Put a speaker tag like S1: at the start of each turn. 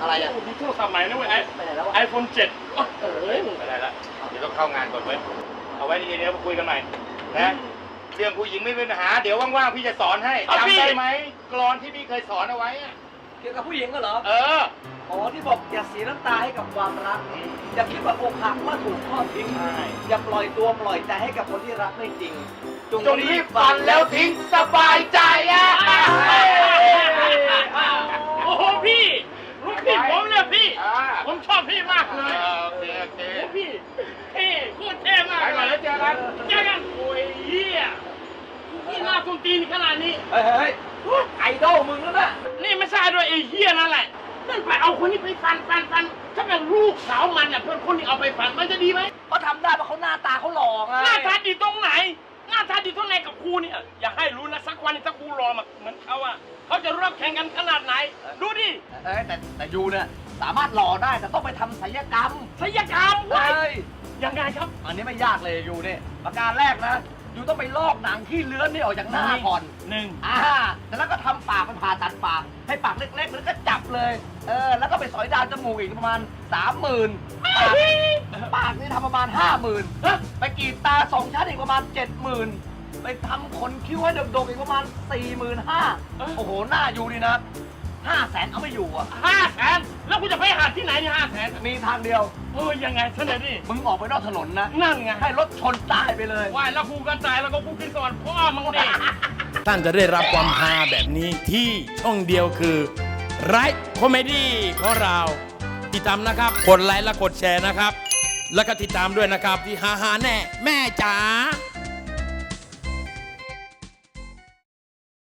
S1: อะไรอ่ะ
S2: มีโทรศัพท์ใหม่นะเว้ยไอโฟน7เอ้ยมึงไปไหนละเดี๋ยวต้องเข้างานก่อนเว้ยเอาไว้ดีๆเดี๋ยวมาคุยกันใหม่นะเรื่องผู้หญิงไม่เป็นปัญหาเดี๋ยวว่างๆพี่จะสอนให้จำได้ไหมกลอนที่พี่เคยสอนเอาไว้
S1: เกี่ยวกับผู้หญิงก็เหรออ๋อที่บอกอย่าเสียน้ำตาให้กับความรักอย่าคิดว่าอกหักเมื่อถูกทอดทิ้งอย่าปล่อยตัวปล่อยใจให้กับคนที่รักไม่จริงจงรีบฝันแล้วทิ้งสบายใจ
S2: โอ้โหพี่ลูกพี่ผมเนี่ยพี่ผมชอบพี่มากเลย
S3: โอเค
S2: พี่เท่โคตรเท่มาก
S3: ไปก่อนแล้วเจอกัน
S2: โอ้ยเฮียพี่หน้าส้นตีนขนาดนี้
S1: เฮ้ยไอดอลมึงแล้วนะ
S2: นี่ไม่ใช่ด้วยไอ้เฮียนั่นแหละนั่นไปเอาคนนี้ไปฟันถ้าเป็นลูกสาวมันน่ะเพื่อนคนนี้เอาไปฟันมันจะดีไหม
S1: เขาทำได้เพราะเขาหน้าตาเขาหล่อไง
S2: หน้าตาดีตรงไหนหน้าตาดีตรงไหนกับครูเนี่ยอย่าให้รู้นะสักวันถ้าครูรอมาเหมือนเขาอะเขาจะรอบแข่งกันขนาดไหนดูดิ
S1: แต่ยูเนี่ยสามารถหล่อได้แต่ต้องไปทำศัลยกรรมเฮ้ย
S2: ยังไงครับ
S1: อันนี้ไม่ยากเลยยูเนี่ยประการแรกนะยูต้องไปลอกหนังที่เลื้อนนี่ออกจากหน้าก่อนแต่แล้วก็ทำปากไปผ่าตัดปากให้ปากเล็กๆแล้วก็จับเลยแล้วก็ไปสอยดาวจมูกอีกประมาณ 30,000ปากนี่ทำประมาณ 50,000ไปกรีดตา2 ชั้นอีกประมาณ 70,000ไปทำขนคิ้วให้ดกๆอีกประมาณ 45,000โอ้โหหน้ายูนี่นะ500,000เอาไม่อยู่อ่ะ
S2: 500,000แล้วกูจะไปหาที่ไหนเนี่ย500,000
S1: มีทางเดียว
S2: ยังไงเสนอดิ
S1: มึงออกไปนอกถนนนะ
S2: นั่นไง
S1: ให้รถชนตายไปเลย
S2: ว่ายแล้วกูกันตายแล้วก็กูกินก่อนพ่อมึงดิ
S4: ท่านจะได้รับความฮาแบบนี้ที่ช่องเดียวคือไรท์คอมเมดี้ของเราติดตามนะครับกดไลค์และกดแชร์นะครับแล้วก็ติดตามด้วยนะครับที่ฮาแน่แม่จ๋า